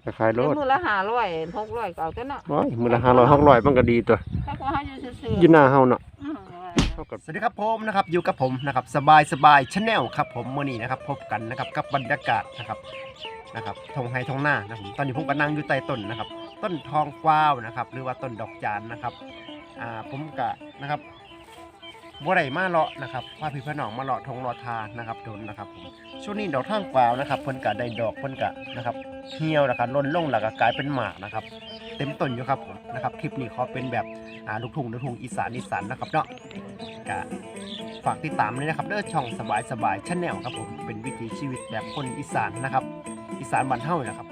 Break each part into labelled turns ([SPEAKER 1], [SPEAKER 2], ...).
[SPEAKER 1] ขายรถ
[SPEAKER 2] มือละ500 600ก็เอาตัวเนาะ
[SPEAKER 1] มือละ500 600มันก็ดีตัว
[SPEAKER 2] ถ้าก็หาอยู่ซื่อ
[SPEAKER 1] อยู่หน้าเฮาเนาะ
[SPEAKER 3] สวัสดีครับผมนะครับอยู่กับผมนะครับสบายชาแนลครับผมมื้อนี้นะครับพบกันนะครับกับบรรยากาศนะครับทงไฮทงหน้านะผมตอนนี้ผมก็นั่งอยู่ใต้ต้นนะครับต้นทองกวาวนะครับหรือว่าต้นดอกจานนะครับผมก็นะครับบัวไหลมาเลาะนะครับพาพี่พี่น้องมาเลาะทงเลาะทานะครับโดนนะครับผมช่วงนี้ดอกทองกวาวนะครับเพิ่นก็ได้ดอกเพิ่นก็นะครับเหี่ยวนะครับล้นลงแล้วก็กลายเป็นหมากนะครับเต็มต้นอยู่ครับผมนะครับคลิปนี้ขอเป็นแบบลูกทุ่งอีสานนะครับเนาะก็ฝากติดตามเลยนะครับเด้อช่องสบายชาแนลครับผมเป็นวิถีชีวิตแบบคนอีสานนะครับอีสานบ้านเฮานะครับ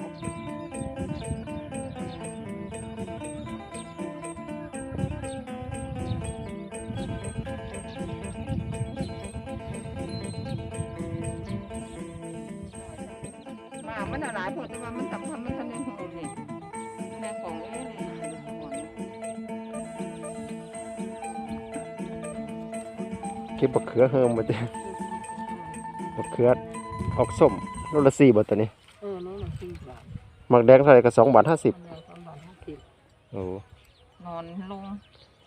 [SPEAKER 2] มันหลายพอแต่ว่ามันสำคัญมันทันได้หูนี่แม่ของ
[SPEAKER 1] เก็บบักเขือเฮิมบ่จ้ะบักเขือออกส้มโลละ4บาทตัวนี้
[SPEAKER 2] โลละ4 บาท
[SPEAKER 1] หมักแดงเท่าไหร่ก็2 บาท 50โอ้
[SPEAKER 2] นอนลง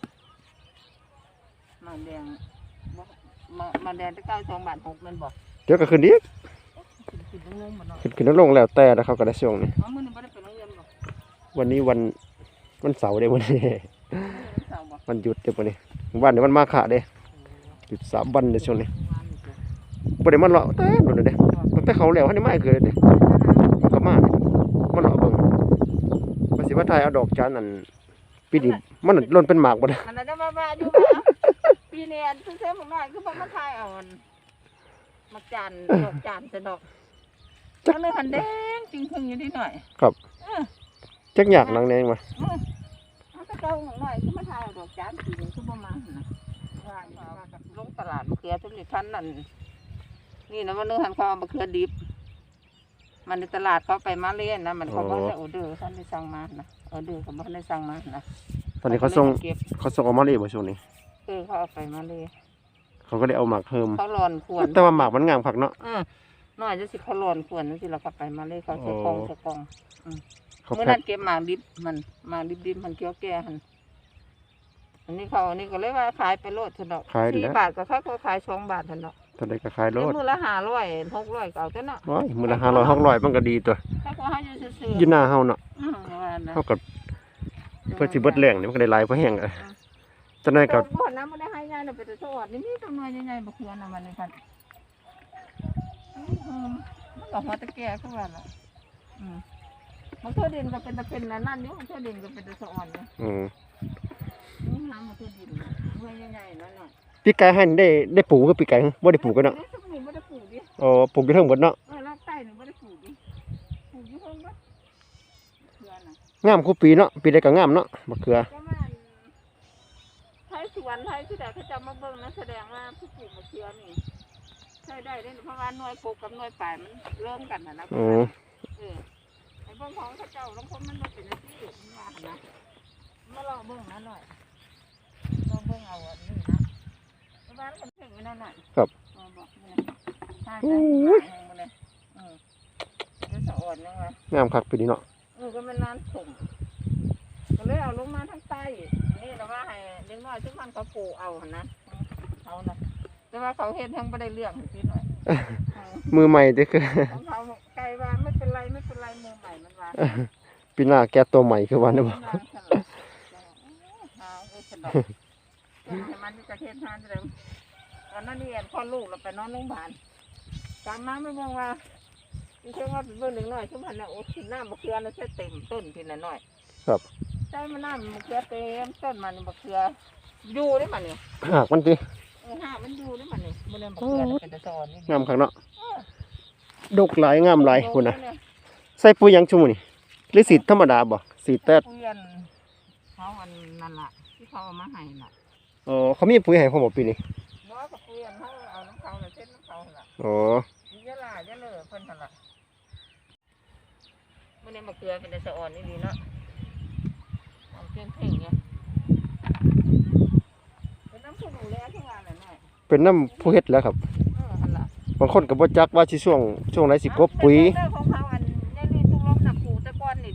[SPEAKER 2] มาแดงตะเก้า2 บาท 6มันบอก
[SPEAKER 1] เดี๋ยวก็ขึ้นอีกขึ้นลงแล้วแต่เขาก็ได้ช่วงนี้
[SPEAKER 2] มื้อนี้บ่ได้ไปโรงเรียนบ่
[SPEAKER 1] วันนี้วันเสาร์เด้วันนี้วันหยุดเด้วันนี้วันนี้วันมาฆะเด้หยุด3 วันเด้ช่วงนี้บ่ได้มาเลาะแต่โดนเด้ตั้งแต่เขาแล้วให้มาคือเด้มันก็มาเลาะเบิ่งว่าสิว่าถ่ายเอาดอกจานนั่นปีนี้มันล้นเป็นหมากบ่ได้
[SPEAKER 2] มันได้มาอยู่ปีนี้อันซื้อๆหน่อยคือบ่มาถ่ายเอามักจานดอกจานซะดอกจังเลยหันแดงจริงๆอยู่นิดหน่อย
[SPEAKER 1] ครับจักอยากนังแดงมา
[SPEAKER 2] เอาตะเก้าหน่อยคือมาถ่ายดอกจานปีนี้คือบ่มาหั่นน่ะว่ากับลงตลาดมะเขือทุกท่านนั่นนี่นะว่าเนื้อหันเขาเอามะเขือดิบมันในตลาดเขาไปมาเล่นนะมันเขาบ่ได้ออเดอร์ท่านได้สั่งมานะออเดอร์เขาบ่ได้สั่งมานะ
[SPEAKER 1] ตอนนี้เขาส่งออกมาเลยบ่ช่วงนี้
[SPEAKER 2] เขาเอาไปมาเลย
[SPEAKER 1] เขาก็ได้เอาหมากเพิ่ม
[SPEAKER 2] เขาหลอนขวน
[SPEAKER 1] แต่ว่าหมากมันงามผักเนาะ
[SPEAKER 2] น้อยจะสิเขาหลอนขวนนั่นสิเราก็ไปมาเลยเขาใส่กองเมื่อนั้นเก็บหมากดิบมันหมากดิบมันเกี่ยวแก่หันอันนี้ก็เลยว่าขายไปโลดเถอะเนาะ4 บาทก็เขาขาย2 บาทเถอะเนาะ
[SPEAKER 1] ตอนนี้ก็ขายโลด
[SPEAKER 2] มือละ500 600ก็เอาตัวเนาะ
[SPEAKER 1] มือละ500 600มันก็ดีตัว
[SPEAKER 2] ถ้าก็ให้อยู่ซื่อ
[SPEAKER 1] ๆอยู่หน้าเฮาเนาะเฮาก็เพื่อสิเบิดแรงนี่มันก็ได้หลายเพราะแห้งจังได๋ก็
[SPEAKER 2] บ่น้ำบ่ได้ให้ยายน่ะไปแต่สวัสดีนี่ต้นไม้ใหญ่ๆบ่เขือน่ะมันนี่คั่นมันก็หัวตะแก่คือว่าล่ะมันเทื่อดินก็เป็นตะเป็นนั่นอยู่มันเทื่อดินก็เป็นตะสะอ่อนอยู่นี่น้ำมันเทื่อดินเมื่อใหญ่ๆนั่นน่ะ
[SPEAKER 1] ปีไก่ให้ได้ปลูกคือปีไก่บ่ได้ปลูกกันเนาะ
[SPEAKER 2] บ่ได้ปลูกดิ
[SPEAKER 1] ปลูกอยู่เทิงเบิดเนาะ
[SPEAKER 2] รอบใต้นี่บ่ได้ปลูกดิปลูกอยู่เทิงบ่เขือน่ะ
[SPEAKER 1] งามคู่ปีเนาะปีใดก็งามเนาะบักเขือ
[SPEAKER 2] ไทยสวนไทยที่ใดเขาจะมาเบิ่งนะแสดงว่าผู้ปลูกมะเขือนี่ใช่ได้เพราะว่าหน่วยปลูกกับหน่วยป่ายมันเริ่มกันนะไอ้เบิ่งของเขาเจ้าบางคนมันมาเป็นที่ว่านะมาลองเบิ่งนะหน่อยลองเบิ่งเอาอันนี้นะเพราะว่ามันถึงนั่นน่ะ
[SPEAKER 1] ครับ
[SPEAKER 2] บอกนี่ใช่เลยจะสะอ่อนยังไง
[SPEAKER 1] งามคักปีนี้เนาะ
[SPEAKER 2] ก็มันนานถมก็เลยเอาลงมาทั้งใต้นี่เราว่าให้เลี้ยงน้อยทุกวันเขาปลูกเอานะเขานะแต่ว่าเขาเห็นทั้งไม่ได้เรื่องนิดหน่อย
[SPEAKER 1] มือใหม่เด้อคือ
[SPEAKER 2] เขาไกลว่าไม่เป็นไรมือใหม่มันว่า
[SPEAKER 1] ปีหน้าแกตัวใหม่คือวันนี้บ่
[SPEAKER 2] มันจะเห็นทานเลยตอนนั้นนี่พ่อลูกเราไปนอนโรงพยาบาลกลับมาไม่มองว่าที่เชื่อว่าเป็นเบอร์หนึ่งหน่อยชั่วโมงน่ะโอ้ที่หน้ามะเขือน่ะใช่เต็มต้นทีละหน่อย
[SPEAKER 1] ครับ
[SPEAKER 2] ใช่มันน้ำมะเขือเต็มต้นมันมะเขืออยู่ได้มันนี่
[SPEAKER 1] หากมันสิ
[SPEAKER 2] หากมันอยู่ได้มันนี่มันเลยมะเขือเป็นตะซอนนี่
[SPEAKER 1] งามคักเนาะดกหลายงามหลายพุ่นน่ะใส่ปุ๋ยหยังชุมื้อนี่หรือสีธรรมดาบ่สีแต๊ด
[SPEAKER 2] ปุ๋ยเขาอันนั่นล่ะที่เขาเอามาให้น่ะ
[SPEAKER 1] เขามีปุ๋ยให้ผมบ่ปีนี้
[SPEAKER 2] บ่ก็ปุ๋ยเขาเอาน้ำเขาน่ะเส้นน้ำเขาล่ะเยอะเลยเพิ่นหั่นล่ะมันเลยมะเขือเป็นตะซอนนี่ดีเนาะเอาเพ่งๆเนี่ยเป็นน้ำผู้ดูแลทุกวันเลยหน่อย
[SPEAKER 1] เป็นน้ำผู้เฮ็ดแล้วครับบางคนก็บ่จักว่าสิช่วงไหนสิกบปุ๋ย
[SPEAKER 2] ของเขาอันนี่ตุ้งล้มหนักผูตะก้อนนี่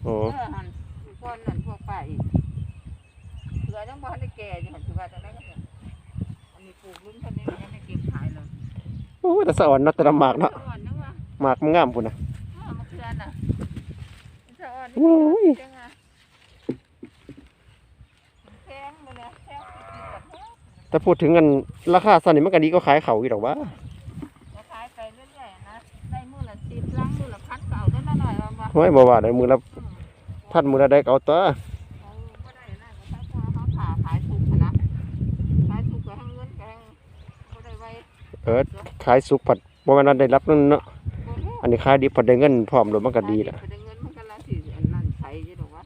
[SPEAKER 1] โอ้
[SPEAKER 2] หันก้อนนั่นพวกป้าอีกเหลือยังบ่ทันได้แก่อยู่หันสิว่าจังได๋ก็เนี่ยอันนี้ปลูกลุ้นเท่านี้มันยังได้เก็บขายเลย
[SPEAKER 1] โอ้แต่สะอ่อนเนาะแต่ละหมากเนาะ
[SPEAKER 2] อ่อนนึงว่า
[SPEAKER 1] หมากมันงามพุ่นน่ะ
[SPEAKER 2] มะเขือน่ะสะอ่อน
[SPEAKER 1] โอ้ย
[SPEAKER 2] จังอ่ะแพงมื้อนี้แพงสิกินกับแพง
[SPEAKER 1] แต่พูดถึงกันราคาซั่นนี่มันก็ดีก็ขายเขาอีกดอกว่า
[SPEAKER 2] ก็ขายไปเรื่อยๆนะได้มื้อละ10ลังมื้อละพันก็เอาได้ละหน่อยว่าบ่
[SPEAKER 1] ห้อยบ่ว่าได้มือละพันมือละได้ก็เอาตัว
[SPEAKER 2] เอาบ่ได้นะก็ถ้าเขาผ่าขายถูกหั้นนะขายถูกก็ให้เงินก็ให้บ่ได้ไว้
[SPEAKER 1] ขายสุกผัดบ่แม่นว่าได้รับนั่นเนาะ
[SPEAKER 2] บ่ได้
[SPEAKER 1] อันนี้ขายดิบผัดได้เงินพร้อมโดยมันก็ดีแหละ
[SPEAKER 2] ไปได้เงินมันก็ละสิอันนั้นใช้อยู่ดอกวะ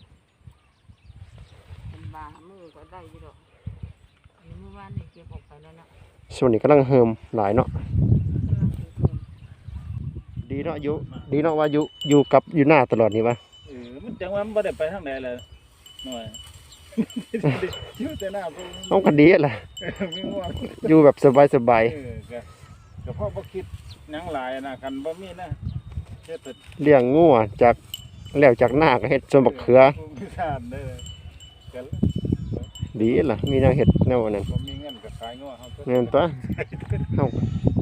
[SPEAKER 2] เป็นบามือก็ได้อยู่ดอกอันนี้เมื่อวานนี่เก็บออกไปแล้วนะ
[SPEAKER 1] ช่วงนี้กำลังเฮิมหลายเนาะ
[SPEAKER 2] กำลังถือเพิ่ม
[SPEAKER 1] ดีเนาะดีเนาะว่าอยู่หน้าตลอดนี่วะ
[SPEAKER 4] มันจังว่ามันบ่ได้ไปทางใดเลยหน่อย อยู่แต่หน้าพวก
[SPEAKER 1] ต้องกันดีแหละ
[SPEAKER 4] มีง่วง
[SPEAKER 1] อยู่แบบสบาย
[SPEAKER 4] ก็พ่อบ่คิดหยังหลายนะคันบ่มีนะเฮ็ดแต่
[SPEAKER 1] ๆเลี้ยงงัวจากแล้วจากหน้าก็เฮ็ดสวนบักเขือ
[SPEAKER 4] มีทานได้เลยก็
[SPEAKER 1] ดีล่ะมีแนวเฮ็ดแนวนั้น
[SPEAKER 4] บ่มีเงินก็ขายงัวเฮาก็
[SPEAKER 1] แม่นตัวเฮา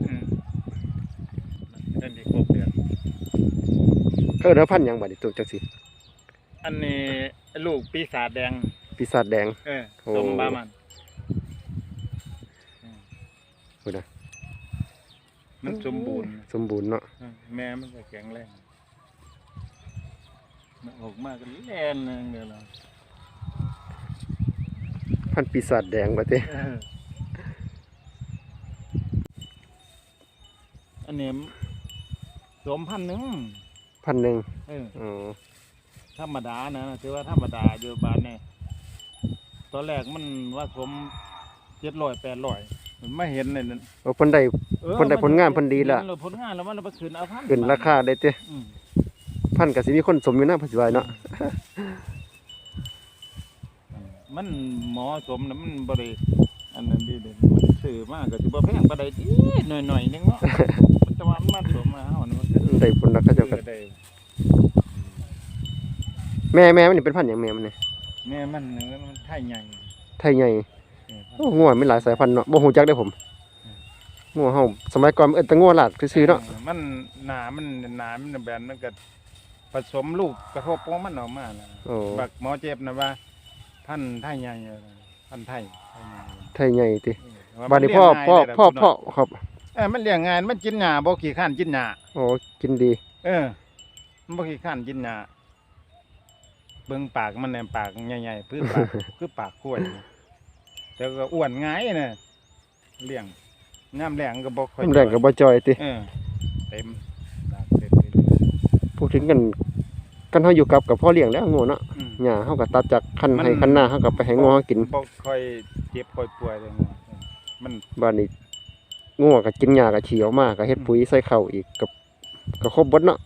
[SPEAKER 4] เงินที่ครบเดือน
[SPEAKER 1] ก็เด้อพันธุ์หยังบัดนี้ตัวจังซี่
[SPEAKER 4] อันนี้ลูกปีศาจแดง
[SPEAKER 1] ปีศาจแดง โอ้
[SPEAKER 4] สมบามัน
[SPEAKER 1] พูดนะ
[SPEAKER 4] มันสมบูรณ์
[SPEAKER 1] สมบูรณ์เนาะ
[SPEAKER 4] แม่มันก็แข็งแรงมันออกมาก็แล่นเด้อล่ะ
[SPEAKER 1] พันธุ์ปีศาจแดงว่าติ
[SPEAKER 4] อันนี้สมพันหนึ่ง
[SPEAKER 1] พันหนึ่ง
[SPEAKER 4] เออ
[SPEAKER 1] อ๋อ
[SPEAKER 4] ธรรมดานะถือว่าธรรมดาอยู่บ้านเนี่ยตอนแรกมันว่าสม700-800มันไม่เห็นเลยนั่น
[SPEAKER 1] เอาเพิ่นได้เพิ่นได้ผลงานเพิ่นดีละ
[SPEAKER 4] ผลงานแล้วมันไปขึ้นเอาพัน
[SPEAKER 1] ขึ้นราคาได้ติ
[SPEAKER 4] อืม
[SPEAKER 1] พันก็สิมีคนสมอยู่นะเพิ่นสิว่าเนาะ
[SPEAKER 4] มันเหมาะสมนะมันบ่ได้อันนั้นดีเด่นมันซื้อมาก็สิบ่แพงปานใดติหน่อยๆนึงเนาะ มันจะว่ามันมาสมมาเฮานี่มันก็
[SPEAKER 1] ได้ผลแล้วเขาเจ้าก็
[SPEAKER 4] ได้
[SPEAKER 1] แม่มันนี่เป็นพันธุ์หยังแม่มันนี่
[SPEAKER 4] แม่มันไทยใหญ่
[SPEAKER 1] ไทยใหญ่
[SPEAKER 4] เออ
[SPEAKER 1] โอ้งัวมีหลายสายพันธุ์เนาะบ่ฮู้จักเด้อผมงัวเฮาสมัยก่อนมันเอิ้นแต่งัวลาดซื่อๆเนาะ
[SPEAKER 4] มันหนามันแบนมันก็ผสมลูกกระทบของมันออกมานะ
[SPEAKER 1] โอ้
[SPEAKER 4] บักหมอเจ็บนะว่าพันธุ์ไทยใหญ่พันธุ์ไทย
[SPEAKER 1] ไทยใหญ่ติ
[SPEAKER 4] ว่า
[SPEAKER 1] บัดนี้
[SPEAKER 4] มันเลี้ยงง่ายเลยล่ะ
[SPEAKER 1] พ่อ
[SPEAKER 4] พี่น้อง
[SPEAKER 1] ครับ
[SPEAKER 4] มันเลี้ยงง่ายมันกินหญ้าบ่ขี้ข้านกินหญ้า
[SPEAKER 1] โอ้กินดี
[SPEAKER 4] มันบ่ขี้ข้านกินหญ้าเบิ่งปากมันแหน่ปากใหญ่ๆพื้นปาก คือปากกล้วยแต่ก็อ้วนง่ายน่ะเลี้ยงน้ำแรงก็บ่ค่อย
[SPEAKER 1] น้ำแรงก็บ่จ่อยติ
[SPEAKER 4] เต็มดากเต็ม
[SPEAKER 1] พูดถึงกันเฮาอยู่กับพ่อเลี้ยงแล้วงัวเนาะ
[SPEAKER 4] อืม
[SPEAKER 1] หญ้าเฮาก็ตัดจากคัน
[SPEAKER 4] มัน
[SPEAKER 1] ให้คันหน้าเฮาก็ไปให้งัวเฮากิน
[SPEAKER 4] บ่ค่อยเจ็บค่อยป่วยเลยงัวมัน
[SPEAKER 1] บ้านนี้งัวก็กินหญ้าก็เฉียวมาก็เฮ็ดปุ๋ยใส่ข้าวอีกก็ครบเบิดเนาะ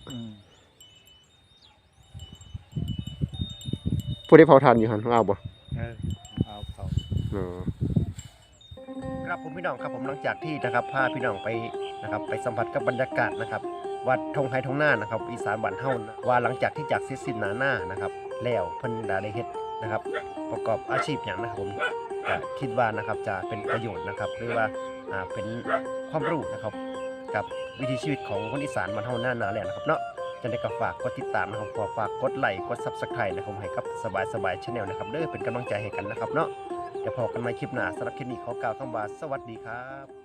[SPEAKER 1] ผู้ได้เผาทานอยู่หั่นเอาบ่
[SPEAKER 4] เอาเขา
[SPEAKER 1] อ๋อ
[SPEAKER 3] ครับผมพี่น้องครับผมหลังจากที่นะครับพาพี่น้องไปนะครับไปสัมผัสกับบรรยากาศนะครับวัดทงไฮทงหน้านะครับอีสานบ้านเฮานะว่าหลังจากที่จากเสร็จสิ้นหน้านะครับแล้วเพิ่นได้เฮ็ดนะครับประกอบอาชีพหยังนะครับผมก็คิดว่านะครับจะเป็นประโยชน์นะครับหรือว่าเป็นความรู้นะครับกับวิถีชีวิตของคนอีสานบ้านเฮาหน้าแล้วนะครับเนาะจะได้ก็ฝากกดติดตามนะครับฝากกดไลค์กด Subscribe นะครับให้กับสบายๆ Channel นะครับเด้อเป็นกำลังใจให้กันนะครับเนาะเดี๋ยวพบกันใหม่คลิปหน้าสำหรับคลิปนี้ขอกล่าวคำว่าสวัสดีครับ